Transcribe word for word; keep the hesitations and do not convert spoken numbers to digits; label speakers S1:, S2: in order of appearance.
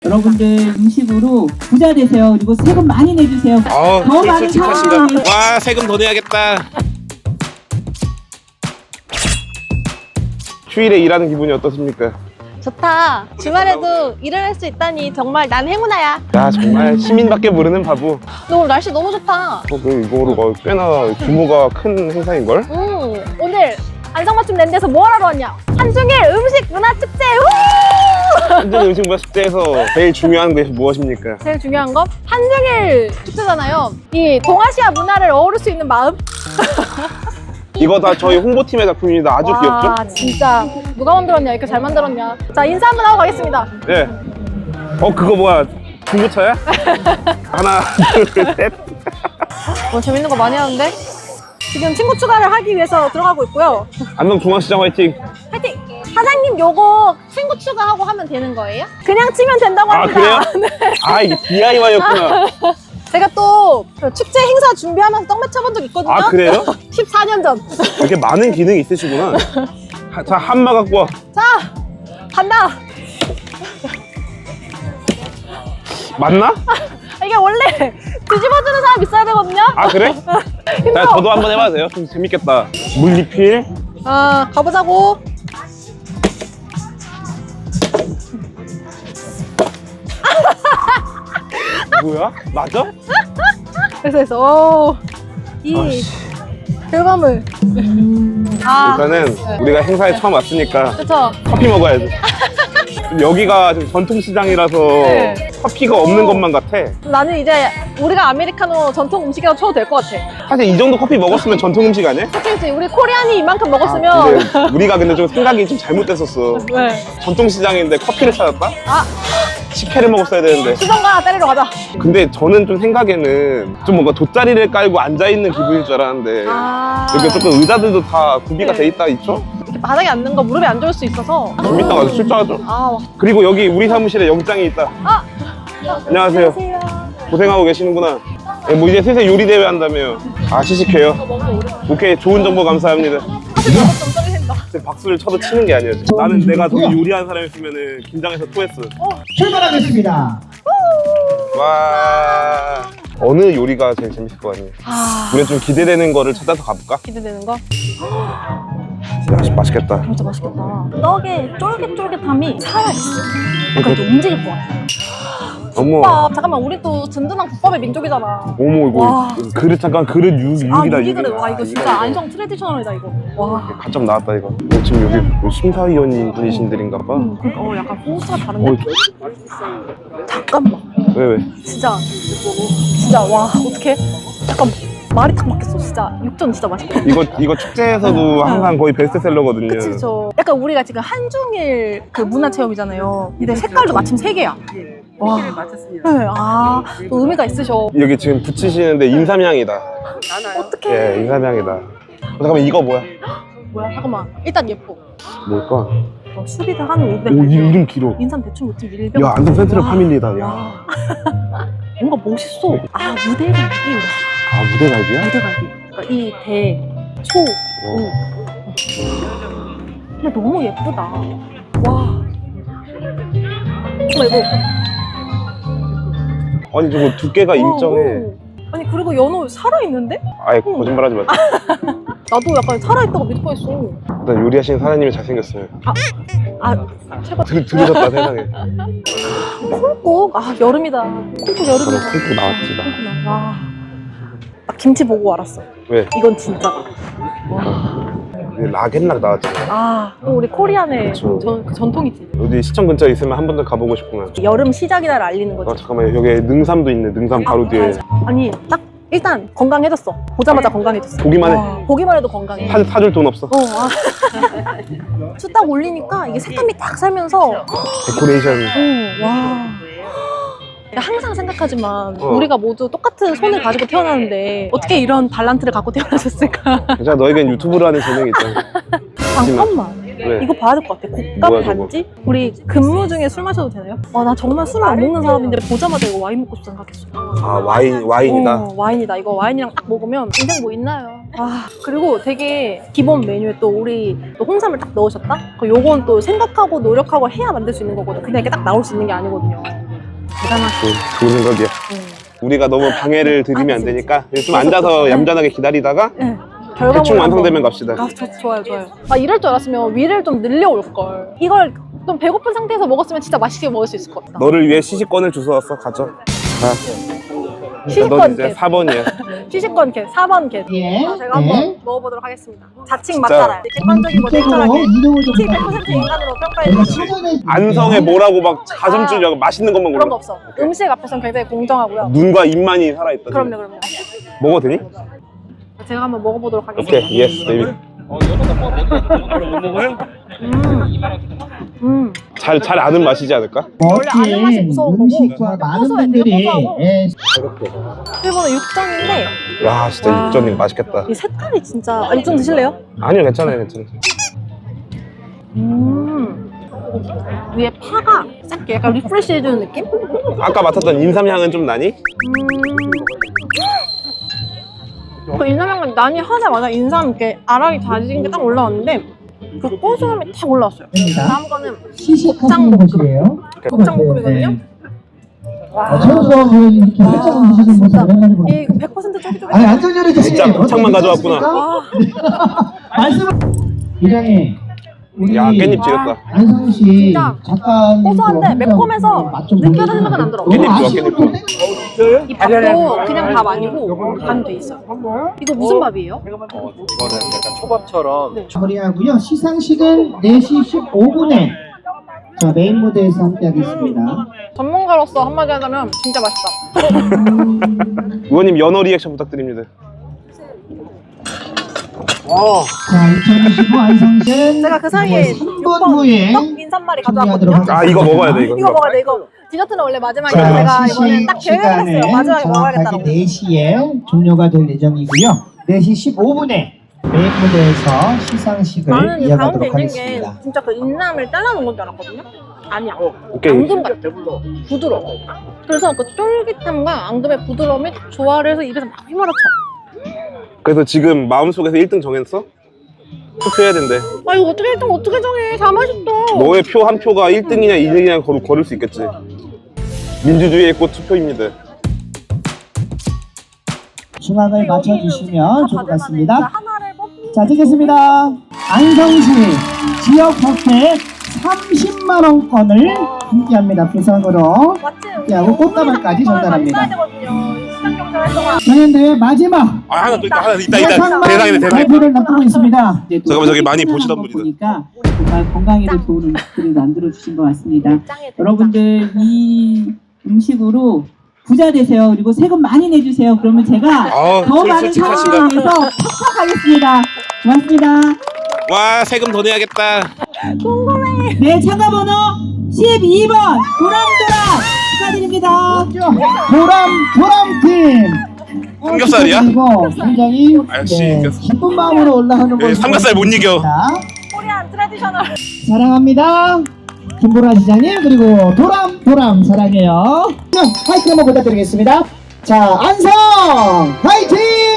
S1: 여러분들 음식으로 부자 되세요. 그리고 세금 많이 내주세요.
S2: 어,
S1: 더 많은
S2: 솔직하신가?
S1: 사랑을
S2: 와, 세금 더 내야겠다. 휴일에 일하는 기분이 어떻습니까?
S3: 좋다. 주말에도 일을 할 수 있다니 정말 난 행운아야.
S2: 야, 정말 시민밖에 모르는 바보.
S3: 너 오늘 날씨 너무 좋다.
S2: 어, 그 이거로 꽤나 규모가 큰 행사인걸?
S3: 음, 오늘 안성맞춤 랜드에서 뭐 하러 왔냐? 한중일 음식 문화 축제. 우!
S2: 한중 음식 문화 축제에서 제일 중요한 것이 무엇입니까?
S3: 제일 중요한 건 한중일 축제잖아요. 이 동아시아 문화를 어우를 수 있는 마음.
S2: 이거 다 저희 홍보팀의 작품입니다. 아주 귀엽죠?
S3: 와, 진짜 누가 만들었냐? 이렇게 잘 만들었냐? 자, 인사 한번 하고 가겠습니다.
S2: 예. 어, 그거 뭐야? 중고차야? 하나, 둘, 셋.
S3: 뭐 재밌는 거 많이 하는데? 지금 친구 추가를 하기 위해서 들어가고 있고요.
S2: 안동중앙시장 화이팅!
S3: 파이팅! 사장님 요거 친구 추가하고 하면 되는 거예요? 그냥 치면 된다고
S2: 아,
S3: 합니다.
S2: 그래요?
S3: 네.
S2: 아, 이게 디아이와이였구나.
S3: 제가 또그 축제 행사 준비하면서 떡 맞춰본 적 있거든요.
S2: 아, 그래요?
S3: 십사 년 전.
S2: 이렇게 많은 기능이 있으시구나. 하, 자, 한마 갖고 와.
S3: 자, 간다.
S2: 맞나?
S3: 이게 원래 뒤집어주는 사람 있어야 되거든요.
S2: 아, 그래? 자, 저도 한번 해봐도 돼요? 좀 재밌겠다. 물리필.
S3: 아, 가보자고.
S2: 뭐야? 맞아?
S3: 그래서 해서 오, 이
S2: 아씨.
S3: 결과물. 아,
S2: 일단은 우리가 행사에 처음 왔으니까
S3: 그쵸.
S2: 커피 먹어야지. 여기가 좀 전통시장이라서
S3: 네.
S2: 커피가 없는 것만 같아.
S3: 나는 이제 우리가 아메리카노 전통 음식이라고 쳐도 될 것 같아.
S2: 사실 이 정도 커피 먹었으면 전통 음식 아니야?
S3: 그치, 우리 코리안이 이만큼
S2: 아,
S3: 먹었으면.
S2: 근데 우리가 근데 좀 생각이 좀 잘못됐었어.
S3: 왜?
S2: 전통시장인데 커피를 찾았다?
S3: 아,
S2: 식혜를 먹었어야 되는데.
S3: 수정가 때리러 가자.
S2: 근데 저는 좀 생각에는 좀 뭔가 돗자리를 깔고 앉아있는 기분일 줄 알았는데
S3: 아,
S2: 여기 조금 의자들도 다 구비가
S3: 네.
S2: 돼 있다 있죠?
S3: 이렇게 바닥에 앉는 거 무릎에 안 좋을 수 있어서.
S2: 좀 이따가 출전하죠.
S3: 아, 와.
S2: 그리고 여기 우리 사무실에 영장이 있다.
S3: 아,
S2: 안녕하세요.
S3: 안녕하세요.
S2: 고생하고 계시는구나. 네, 뭐 이제 슬슬 요리 대회 한다며요. 아, 시식해요. 오케이, 좋은 정보 감사합니다.
S3: 좀 떨린다.
S2: 근데 박수를 쳐도 치는 게 아니었지. 나는 내가 더 요리하는 사람이었으면 긴장해서 토했어.
S1: 출발하겠습니다.
S2: 와, 어느 요리가 제일 재밌을 것 같니?
S3: 아,
S2: 우리 좀 기대되는 거를 찾아서 가볼까?
S3: 기대되는 거?
S2: 야, 맛있겠다.
S3: 진짜 맛있겠다. 떡의 쫄깃쫄깃함이 살아있어. 약간 좀 움직일 것 같아.
S2: 어머,
S3: 국밥, 잠깐만, 우리 또 든든한 국밥의 민족이잖아.
S2: 어머, 이거
S3: 와.
S2: 그릇 잠깐 그릇 육,
S3: 아,
S2: 육이다.
S3: 이게 그래. 와, 이거
S2: 아,
S3: 진짜 안성 트레디셔널이다, 이거. 와.
S2: 가점 나왔다 이거. 어, 지금 여기 뭐 심사위원 분이신들인가 봐.
S3: 음, 그러니까 어, 약간 포스가 다른데?
S2: 어,
S3: 잠깐만.
S2: 왜 왜?
S3: 진짜. 진짜, 와, 어떡해. 약간 말이 딱 막혔어. 진짜. 육전 진짜 맛있다.
S2: 이거 이거 축제에서도 항상 거의 베스트셀러거든요.
S3: 그치, 저. 약간 우리가 지금 한중일 그 문화체험이잖아요. 근데 색깔도 마침 세 개야. 와. 네, 아, 또 의미가 있으셔.
S2: 여기 지금 붙이시는데 인삼향이다.
S3: 어떡해.
S2: 예, 인삼향이다. 어, 잠깐만 이거 뭐야?
S3: 뭐야, 잠깐만. 일단 예뻐.
S2: 뭘까?
S3: 어, 수리를 한 오백.
S2: 오, 이 이름 길어.
S3: 인삼 대충 요즘 일병.
S2: 야, 안동 센트럴
S3: 와.
S2: 파밀리다. 야.
S3: 와. 뭔가 멋있어. 아, 무대갈비.
S2: 아, 무대갈비야?
S3: 무대갈비. 그러니까 이 대, 초, 우. 근데 너무 예쁘다. 와. 정말 이거.
S2: 아니 저거 두께가 일정해.
S3: 오. 아니, 그리고 연어 살아있는데?
S2: 아예 거짓말하지 마.
S3: 나도 약간 살아있다고 믿을 뻔했어.
S2: 일단 요리하시는 사장님이 잘생겼어요.
S3: 아, 제발.
S2: 들, 들으셨다 세상에.
S3: 콩국. 아, 여름이다. 콩국 여름이다.
S2: 아, 콩국 나왔지 나.
S3: 콩국 나. 와. 나 김치 보고 알았어.
S2: 왜?
S3: 이건 진짜. 와.
S2: 락앤락 나왔잖아.
S3: 아, 또 우리 코리안의
S2: 그쵸.
S3: 전, 그 전통이지.
S2: 어디 시청 근처에 있으면 한 번 더 가보고 싶구나.
S3: 여름 시작이다를 알리는 거지.
S2: 아 잠깐만 여기 능삼도 있네. 능삼 바로 뒤에.
S3: 아니, 딱 일단 건강해졌어. 보자마자 건강해졌어.
S2: 보기만 해.
S3: 와, 보기만 해도 건강해.
S2: 사, 사줄 돈 없어.
S3: 어, 아. 쭉 딱 올리니까 이게 색감이 딱 살면서.
S2: 데코레이션.
S3: 어, 와. 내가 항상 생각하지만
S2: 어.
S3: 우리가 모두 똑같은 손을 가지고 태어나는데 어떻게 이런 발란트를 갖고 태어나셨을까?
S2: 괜찮아 너에겐 유튜브로 하는 재능이 있잖아.
S3: 잠깐만.
S2: 왜?
S3: 이거 봐야 될 것 같아. 곶감
S2: 뭐야, 저거?
S3: 단지? 우리 근무 중에 술 마셔도 되나요? 아, 나 정말 술을 안 먹는 사람인데 보자마자 이거 와인 먹고 싶다 생각했어.
S2: 아 와인 와인이다.
S3: 어, 와인이다. 이거 와인이랑 딱 먹으면 인생 뭐 있나요? 아, 그리고 되게 기본 메뉴에 또 우리 또 홍삼을 딱 넣으셨다? 그 요건 또 생각하고 노력하고 해야 만들 수 있는 거거든. 그냥 이렇게 딱 나올 수 있는 게 아니거든요. 대단하시죠.
S2: 좋은 생각이야. 우리가 너무 방해를 드리면 안 되니까 좀 앉아서 얌전하게 기다리다가
S3: 네.
S2: 대충
S3: 결과물을
S2: 완성되면
S3: 한번-
S2: 갑시다.
S3: 아, 저, 좋아요, 좋아요. 아, 이럴 줄 알았으면 위를 좀 늘려올 걸. 이걸 좀 배고픈 상태에서 먹었으면 진짜 맛있게 먹을 수 있을 것 같다.
S2: 너를 위해 시식권을 주워왔어. 가져. 자.
S3: 시식권
S2: 넌 이제
S3: 캣.
S2: 사 번이야.
S3: 시식권 캣, 사 번 캣.
S1: 예.
S3: 자, 제가 한번
S1: 네.
S3: 먹어보도록 하겠습니다. 자칭
S2: 진짜.
S3: 맞잖아요. 객관적이고
S1: 이쪽으로
S3: 냉철하게
S1: 이동을 좀
S3: 백 퍼센트 인간으로 평가해
S1: 저희가
S3: 주시고
S1: 사전에
S2: 안성에 뭐라고 막 가슴 쭈려고 맛있는 것만
S3: 그런 거
S2: 골라.
S3: 없어. 음식 앞에서는 굉장히 공정하고요.
S2: 눈과 입만이 살아있다. 지금.
S3: 그럼요, 그럼요.
S2: 먹어도 되니?
S3: 제가 한번 먹어보도록 하겠습니다.
S2: 오케이. 예스, 데이비드.
S3: 음.
S2: 잘, 잘 아는 맛이지 않을까?
S3: 원래 아는 맛이 무서운 거고
S1: 음식과 많은
S3: 고소해, 되게
S1: 분들이
S3: 고소하고.
S1: 예,
S3: 일본은 육전인데
S2: 야, 진짜
S3: 와.
S2: 육전이 맛있겠다.
S3: 이 색깔이 진짜. 아, 육전 드실래요?
S2: 아니요, 괜찮아요, 괜찮아요.
S3: 음. 위에 파가 싹게 약간 리프레시 해주는 느낌?
S2: 아까 맡았던 인삼향은 좀 나니?
S3: 음. 그 인삼향은 난이 하자마자 인삼 이렇게 알알이 다진 게 딱 올라왔는데 그 고소함이 딱 올라왔어요.
S1: 됩니다.
S3: 다음 거는
S1: 시식하시는 곳이에요.
S3: 곱창볶음이거든요.
S1: 네. 아, 저도 뭐 이렇게 살짝 드시는 모습 오랜만에 보니까.
S3: 이거 백 퍼센트 쫄깃쫄깃.
S1: 아니 안전열이
S2: 진짜 곱창만 가져왔구나.
S3: 아,
S1: 말씀을 부장님 우리
S2: 야, 깻잎 지렸다.
S1: 안성 씨
S3: 진짜
S1: 작가님
S3: 고소한데 매콤해서 느끼하다는 생각은 안 들어.
S2: 깻잎 좋아, 깻잎 좋아.
S3: 이 밥도 그냥 밥 아니고 간 돼 있어요. 이거 무슨 밥이에요?
S4: 이거는 약간 초밥처럼
S1: 마무리하고요. 시상식은 네 시 십오 분에 자 메인 무대에서 함께하겠습니다.
S3: 전문가로서 한마디 하자면 진짜 맛있다.
S2: 의원님 연어 리액션 부탁드립니다. 와,
S1: 자 이천이십오 안성시
S3: 제가 그 사이에
S1: 삼
S3: 육
S1: 분
S3: 번
S1: 후에
S3: 떡 인삼말이
S1: 준비하도록
S3: 가져왔거든요.
S2: 아 이거 먹어야 돼 이거.
S3: 이거 먹어야 돼 이거. 디저트는 원래 마지막에
S1: 자,
S3: 제가 이번에
S1: 시식
S3: 딱 계획을 했어요.
S1: 시간은
S3: 마지막에 먹어야겠다고.
S1: 정확하게 네 시에 종료가 될 예정이고요. 네 시 십오 분에 메인 무대에서 시상식을
S3: 나는 이 가운데
S1: 이어가도록
S3: 있는 게
S1: 하겠습니다.
S3: 진짜 그 인삼을 잘라놓은 건 줄 알았거든요. 아니야.
S2: 오케이.
S3: 앙금 같아. 부드러워. 그래서 그 쫄깃함과 앙금의 부드러움이 딱 조화를 해서 입에서 막 휘몰아쳐.
S2: 그래서 지금 마음속에서 일 등 정했어? 투표해야 된대.
S3: 아 이거 어떻게 일등 어떻게 정해? 다 맛있어.
S2: 너의 표 한 표가 일 등이냐 이 등이냐 거를 거를 수 있겠지. 민주주의의 꽃 투표입니다.
S1: 중앙을 맞춰주시면 좋을 것 같습니다.
S3: 하나를 뽑기.
S1: 자, 듣겠습니다. 안성시 지역 뷔페 삼십만 원권을 함께합니다. 부상으로
S3: 마침
S1: 함께하고 꽃다발까지 전달합니다.
S3: 시장 경제를 활동한
S1: 경연대회 마지막
S2: 아 하나 또 있다 하나 있다
S1: 대상만
S2: 대상이네 대상.
S1: 발표를 앞두고 있습니다. 이제 또
S2: 잠깐만, 저기 많이
S1: 하는
S2: 보시던
S1: 거
S2: 분이다.
S1: 보니까 정말 건강에도 좋은 음식들을 만들어 주신 것 같습니다.
S3: 짱에
S1: 여러분들 이 음식으로 부자 되세요. 그리고 세금 많이 내주세요. 그러면 제가
S2: 아,
S1: 더 많은
S2: 솔직하시다.
S1: 사람을 위해서 팍팍하겠습니다. 고맙습니다.
S2: 와 세금 더 내야겠다.
S1: 네, 참가번호 십이 번 도람도람 축하드립니다. 도람 도람팀.
S2: 삼겹살이야?
S1: 그리고 굉장히
S2: 아, 역시
S1: 네,
S2: 삼겹살.
S1: 기쁜 마음으로 올라가는
S2: 네,
S1: 걸
S2: 삼겹살 못 이겨.
S3: 코리안 트레디셔널.
S1: 사랑합니다. 김보라 시장님 그리고 도람 도람 사랑해요. 자, 화이팅 한번 부탁드리겠습니다. 자, 안성 화이팅!